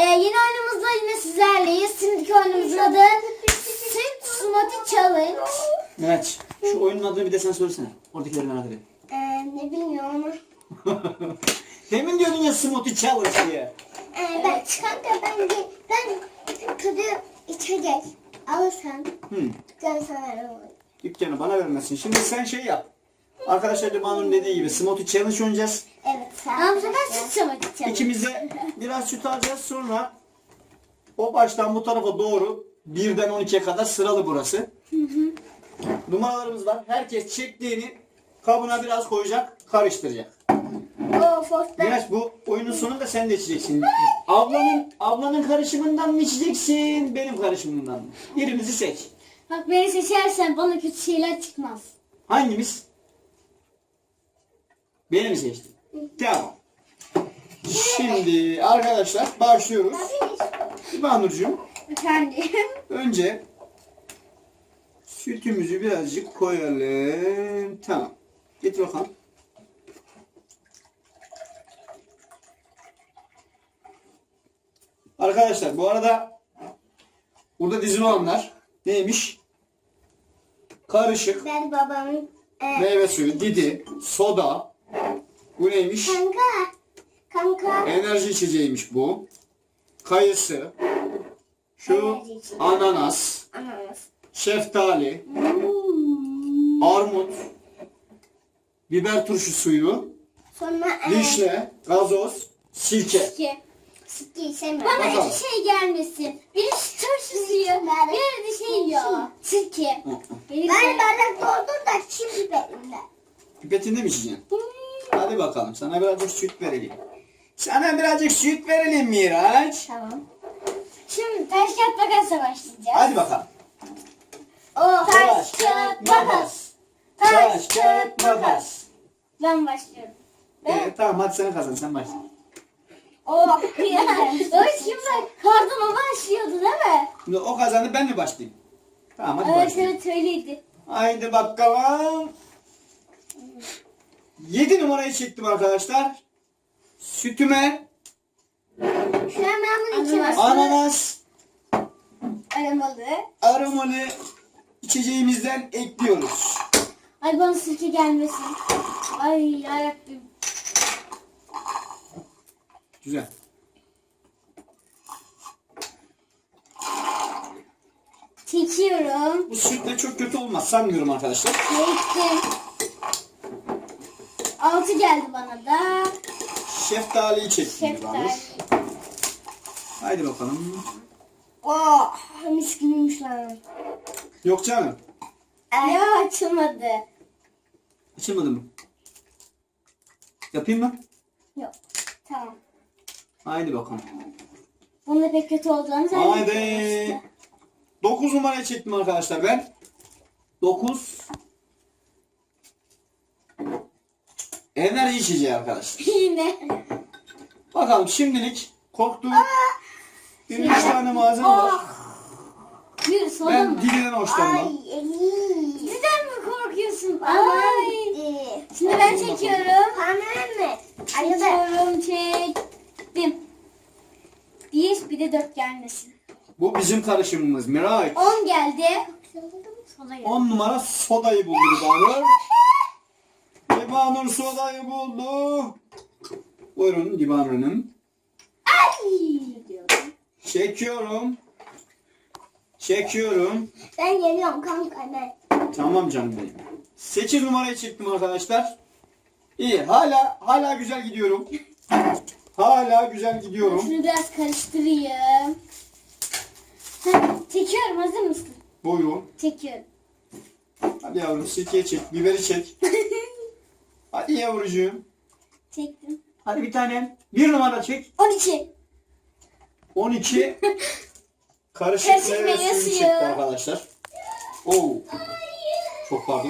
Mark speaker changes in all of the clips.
Speaker 1: Yeni oyunumuzda yine sizlerleyiz. Şimdiki oyunumuzun adı Süt Smoothie Challenge.
Speaker 2: Evet. Şu oyunun adını bir de sen söylesene. Oradakileri merak ediyorum.
Speaker 1: Ne bilmiyorum ama.
Speaker 2: Demin diyordun ya Smoothie Challenge diye.
Speaker 1: Ben tadı içecek alırsan dükkanı sana veririm.
Speaker 2: Dükkanı bana vermesin. Şimdi sen şey yap. Arkadaşlar Limanur'un dediği gibi Smoothie Challenge oynayacağız.
Speaker 1: Evet. Ama bu sefer Süt Smoothie Challenge.
Speaker 2: İkimiz de biraz süt alacağız. Sonra o baştan bu tarafa doğru 1'den 12'ye kadar sıralı burası. Numaralarımız var. Herkes çektiğini kabına biraz koyacak, karıştıracak. Miraç, bu oyunun sonunda sen de içeceksin. Ablanın karışımından mı içeceksin, benim karışımından mı? Birimizi seç.
Speaker 1: Bak beni seçersen bana kötü şeyler çıkmaz.
Speaker 2: Hangimiz? Beni mi seçtin? Tamam. Şimdi arkadaşlar başlıyoruz. İbanurcuğum,
Speaker 1: Efendim?
Speaker 2: önce sütümüzü birazcık koyalım. Tamam. Git bakalım. Arkadaşlar bu arada burada dizili olanlar neymiş? Karışık,
Speaker 1: Ben babamın...
Speaker 2: meyve suyu, didi, soda. Bu neymiş?
Speaker 1: Kanka.
Speaker 2: Enerji içeceğiymiş bu. Kayısı. Şu
Speaker 1: Enerji içeceği.
Speaker 2: ananas,
Speaker 1: Ananas.
Speaker 2: şeftali, armut, biber turşu suyu,
Speaker 1: Sonra...
Speaker 2: vişne, gazoz, sirke.
Speaker 1: Sirke sevmiyorum.
Speaker 2: Bana
Speaker 1: Bana
Speaker 2: Bakalım.
Speaker 1: iki şey gelmesin. Biri turşu yiyor. Biri de şey yiyor. Sirke. Ben bardak doldur da şimdi benimle.
Speaker 2: Pipetinde mi içeceksin? Hadi bakalım, sana birazcık süt verelim. Sana birazcık süt verelim Miraç.
Speaker 1: Tamam. Şimdi taş kağıt makasla başlayacağız.
Speaker 2: Hadi bakalım.
Speaker 1: Taş kağıt makas.
Speaker 2: Taş kağıt makas.
Speaker 1: Ben başlıyorum.
Speaker 2: Tamam, hadi sen kazan, sen başla.
Speaker 1: O şimdi kardan o başlıyordu değil mi?
Speaker 2: Şimdi o kazandı, ben mi başlayayım? Tamam, hadi
Speaker 1: Evet
Speaker 2: başlayalım.
Speaker 1: evet öyleydi.
Speaker 2: Haydi bakalım. 7 numarayı çektim arkadaşlar. Sütüme
Speaker 1: Şu an ben bunu içemezsin.
Speaker 2: ananas
Speaker 1: Aramalı.
Speaker 2: aromalı içeceğimizden ekliyoruz.
Speaker 1: Ay bana sirke gelmesin. Ay yarabbim.
Speaker 2: Güzel.
Speaker 1: Çekiyorum.
Speaker 2: Bu sütle çok kötü olmaz sanmıyorum arkadaşlar.
Speaker 1: Çektim. 6 geldi bana da.
Speaker 2: Şeftaliyi çektim.
Speaker 1: Şeftali.
Speaker 2: Haydi bakalım.
Speaker 1: Oh mis gibiymiş lan.
Speaker 2: Yok canım.
Speaker 1: Ya açılmadı.
Speaker 2: Açılmadı mı? Yapayım mı?
Speaker 1: Yok. Tamam.
Speaker 2: Haydi bakalım.
Speaker 1: Bunun da pek kötü olacağını zannediyorum.
Speaker 2: Haydi. 9 numarayı çektim arkadaşlar ben. 9. Enerji içeceği arkadaşlar.
Speaker 1: Yine.
Speaker 2: Bakalım şimdilik korktuğum bir 3 tane malzeme var.
Speaker 1: Bir soda
Speaker 2: Ben
Speaker 1: mı?
Speaker 2: dilden hoşlanmam.
Speaker 1: Neden mi korkuyorsun? Ay. Şimdi ben çekiyorum. Tamam mı? Çekiyorum, çektim. Bir de 4 gelmesin.
Speaker 2: Bu bizim karışımımız Miraç.
Speaker 1: 10 geldi. Soda geldi.
Speaker 2: 10 numara sodayı buldu Libanur. Libanur sodayı buldu. Buyurun Libanur Hanım.
Speaker 1: Ay diyorum.
Speaker 2: Çekiyorum. Çekiyorum.
Speaker 1: Ben geliyorum kanka ben.
Speaker 2: Tamam canım benim. 8 numarayı çektim arkadaşlar. İyi. Hala güzel gidiyorum. Hala güzel gidiyorum.
Speaker 1: Şunu biraz karıştırayım. Çekiyorum, hazır mısın?
Speaker 2: Buyurun.
Speaker 1: Çekiyorum.
Speaker 2: Hadi yavrum, sirkeyi çek. Biberi çek. Hadi yavrucuğum.
Speaker 1: Çektim.
Speaker 2: Hadi bir tane. 1 numara çek.
Speaker 1: 12.
Speaker 2: 12. Karışık
Speaker 1: Karışık
Speaker 2: meyve
Speaker 1: meyve
Speaker 2: suyu
Speaker 1: suyu.
Speaker 2: çekti arkadaşlar. Oo. Çok pardon.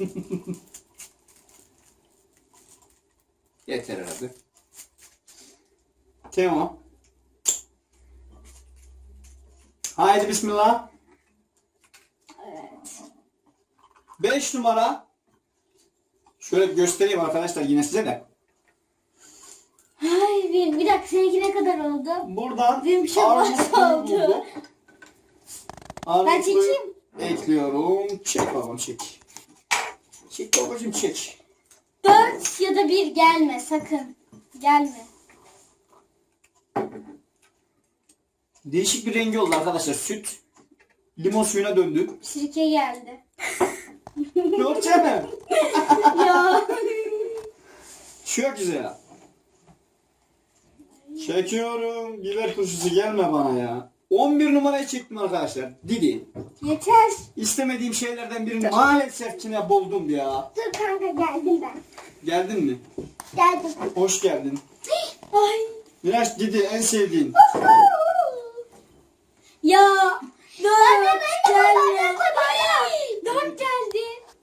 Speaker 2: Yeter herhalde. Tamam. Haydi bismillah.
Speaker 1: Evet.
Speaker 2: 5 numara. Şöyle göstereyim arkadaşlar yine size de.
Speaker 1: Ay bir dakika, seninki ne kadar oldu? oldu.
Speaker 2: Buradan
Speaker 1: Benim şey
Speaker 2: armutluyu
Speaker 1: oldu.
Speaker 2: bulduk.
Speaker 1: Ben
Speaker 2: Armutluyu
Speaker 1: çekeyim.
Speaker 2: ekliyorum. Çek babam çek. Çek babacım çek.
Speaker 1: 4 ya da 1 gelme sakın. Gelme.
Speaker 2: Değişik bir rengi oldu arkadaşlar. Süt limon suyuna döndü.
Speaker 1: Sirke geldi.
Speaker 2: Göreceğim.
Speaker 1: Ya.
Speaker 2: Çok güzel. Çekiyorum. Biber turşusu gelme bana ya. 11 numarayı çektim arkadaşlar. Didi.
Speaker 1: Yeter.
Speaker 2: İstemediğim şeylerden birini maalesef yine buldum ya.
Speaker 1: Dur kanka geldim ben.
Speaker 2: Geldin mi?
Speaker 1: Geldim.
Speaker 2: Hoş geldin.
Speaker 1: Ay.
Speaker 2: Miraç Didi en sevdiğin.
Speaker 1: Ya. 4 geldi. 4 geldi.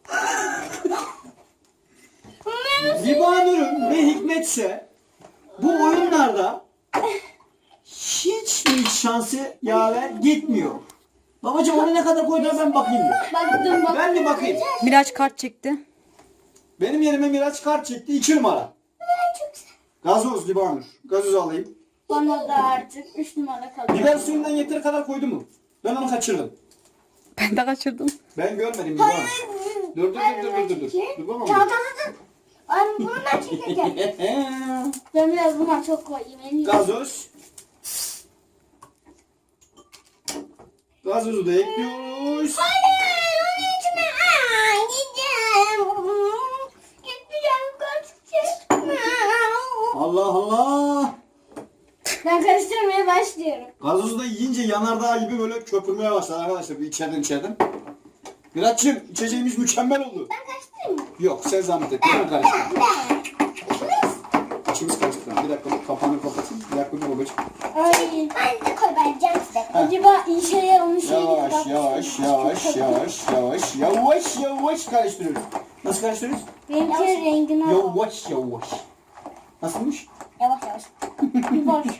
Speaker 2: Libanur'un ve Hikmetse bu oyunlarda hiç mi şansı yaver gitmiyor. Babacım onu ne kadar koyduğuna ben bakayım bir.
Speaker 1: Baktım bak.
Speaker 2: Ben bir bakayım.
Speaker 3: Miraç kart çekti.
Speaker 2: Benim yerime Miraç kart çekti 2 numara. Gazoz Libanur. Gazoz alayım.
Speaker 1: Bana da artık 3 numara kalıyor.
Speaker 2: Biber suyundan yeteri kadar koydu mu? Ben onu kaçırdım.
Speaker 3: Ben de kaçırdım.
Speaker 2: Ben görmedim Libanur. Dur. Dur babam.
Speaker 1: Çantanızı. Ay bunu ben çekeceğim. Ben biraz buna çok koyayım. En iyisi.
Speaker 2: Gazoz. Gazozu da ekliyoruz.
Speaker 1: Hayır, onun içine gideceğim. Gideceğim, kaçacağım.
Speaker 2: Allah Allah.
Speaker 1: Ben karıştırmaya başlıyorum.
Speaker 2: Gazozu da yiyince yanardağ gibi böyle köpürmeye başladı arkadaşlar. Bir içeriden. Miraç'cığım içeceğimiz mükemmel oldu.
Speaker 1: Ben karıştırayım mı?
Speaker 2: Yok sen zahmet etme. Ben karıştırdım.
Speaker 1: Ben.
Speaker 2: İçimiz karıştı. Bir dakika kapağını kapatayım. Bir dakika dur babacığım.
Speaker 1: Ay. Ben de koy vereceğim size. Acaba iyi şeyler olmuş
Speaker 2: Yavaş karıştırıyoruz. Nasıl karıştırıyoruz?
Speaker 1: Benimki rengini al.
Speaker 2: Yavaş. Nasılmış?
Speaker 1: Yavaş. Yavaş.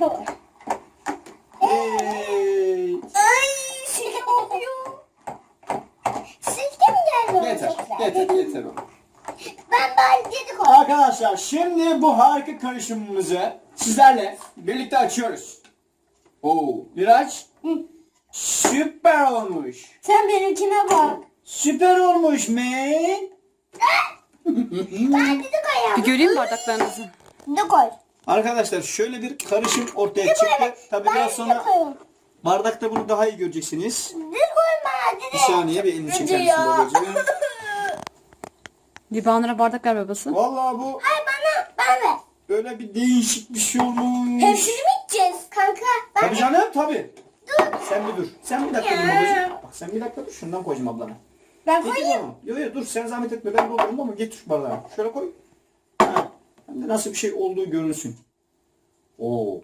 Speaker 2: Evet.
Speaker 1: Ay sirke kokuyor. Sirke mi geldi?
Speaker 2: Yeter oğlum.
Speaker 1: Ben bari dedi koy.
Speaker 2: Arkadaşlar şimdi bu harika karışımımızı sizlerle birlikte açıyoruz. Oo, Miraç süper olmuş.
Speaker 1: Sen benimkine bak.
Speaker 2: Süper olmuş man.
Speaker 1: Ben dedi koy.
Speaker 3: Bir göreyim bardaklarınızı.
Speaker 1: Ne koy?
Speaker 2: Arkadaşlar şöyle bir karışım ortaya çıktı. Tabii biraz sonra
Speaker 1: koyun.
Speaker 2: bardakta bunu daha iyi göreceksiniz.
Speaker 1: Ne koyma dedi.
Speaker 2: Bir saniye bir elini çeker misin
Speaker 1: ya.
Speaker 2: babacığım?
Speaker 3: Libanur'a bardak ver babası.
Speaker 2: Vallahi bu
Speaker 1: Hayır bana ver.
Speaker 2: böyle bir değişik bir şey olmuş.
Speaker 1: Hepsini mi içeceğiz? Kanka ben
Speaker 2: Tabii canım tabii. Sen bir dur. Sen bir dakika dur babacığım. Bak sen bir dakika dur. Şundan koyacağım ablana.
Speaker 1: ben
Speaker 2: Getir
Speaker 1: koyayım.
Speaker 2: onu. Yok dur sen zahmet etme ben doldururum ama getir şu bardağı. Şöyle koy. Ha. Hem de nasıl bir şey olduğu görünsün. Oo.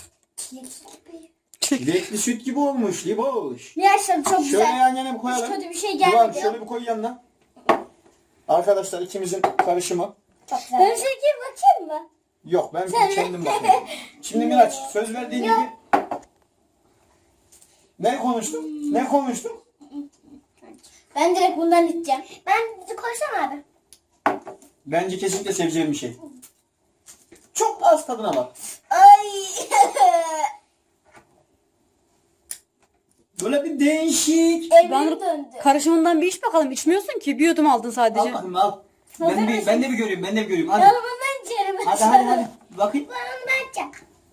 Speaker 2: Çilekli süt gibi olmuş Liboş.
Speaker 1: Gerçekten çok
Speaker 2: Şöyle
Speaker 1: güzel.
Speaker 2: yan yana bir koyalım.
Speaker 1: Hiç kötü bir şey
Speaker 2: Duvar,
Speaker 1: gelmedi.
Speaker 2: şöyle bir koy yanına. Arkadaşlar ikimizin karışımı.
Speaker 1: Çok güzel. Ben şeker bakayım mı?
Speaker 2: Yok ben kendim bakıyorum. Şimdi Miraç söz verdiğin gibi. Ne konuştuk?
Speaker 1: Ben direkt bundan içeceğim. Ben bizi koysam abi.
Speaker 2: Bence kesinlikle seveceğim bir şey. Çok az tadına bak.
Speaker 1: Ay.
Speaker 2: Böyle bir değişik.
Speaker 1: Evrim döndü.
Speaker 3: Karışımından bir iç bakalım. İçmiyorsun ki. Bir yudum aldın
Speaker 2: Al
Speaker 3: sadece.
Speaker 2: bakayım al. Ben de bir göreyim. Hadi.
Speaker 1: Ben bundan içerim.
Speaker 2: Hadi. Bakayım.
Speaker 1: Ben bundan içeceğim.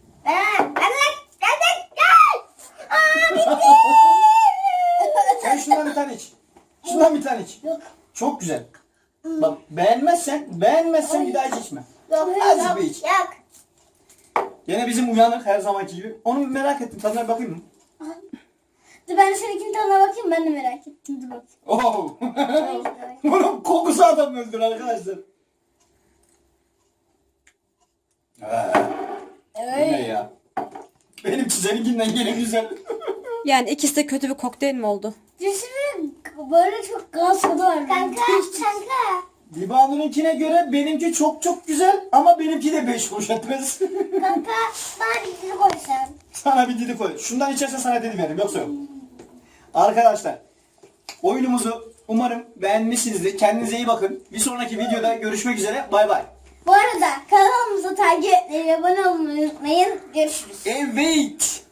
Speaker 1: Gel. Aa bitti.
Speaker 2: Sen şundan bir tane iç.
Speaker 1: Yok.
Speaker 2: Çok güzel. Bak beğenmezsen bir daha hiç içme.
Speaker 1: Yok.
Speaker 2: Az bir iç.
Speaker 1: Yok.
Speaker 2: Gene bizim uyanık her zamanki gibi. Onu merak ettim. Tadına bir bakayım mı?
Speaker 1: Dur ben de seninkinin tadına bakayım. Ben de merak ettim. Dur bakayım.
Speaker 2: Oo. Bunun kokusu adam öldür arkadaşlar. Bu ne ya? Benimki seninkinden gene güzel.
Speaker 3: Yani ikisi de kötü bir kokteyl mi oldu?
Speaker 1: Düşünün böyle çok gaz tadı var. Kanka.
Speaker 2: Libanur'unkine göre benimki çok güzel ama benimki de 5 kuruş etmez.
Speaker 1: Kanka bana bir dizi koysan.
Speaker 2: Sana bir didi koy. Şundan içersen sana didi veririm yoksa yok. Arkadaşlar oyunumuzu umarım beğenmişsinizdir. Kendinize iyi bakın. Bir sonraki videoda görüşmek üzere. Bay bay.
Speaker 1: Bu arada kanalımıza takip etmeyi, abone olmayı unutmayın. Görüşürüz.
Speaker 2: Evet.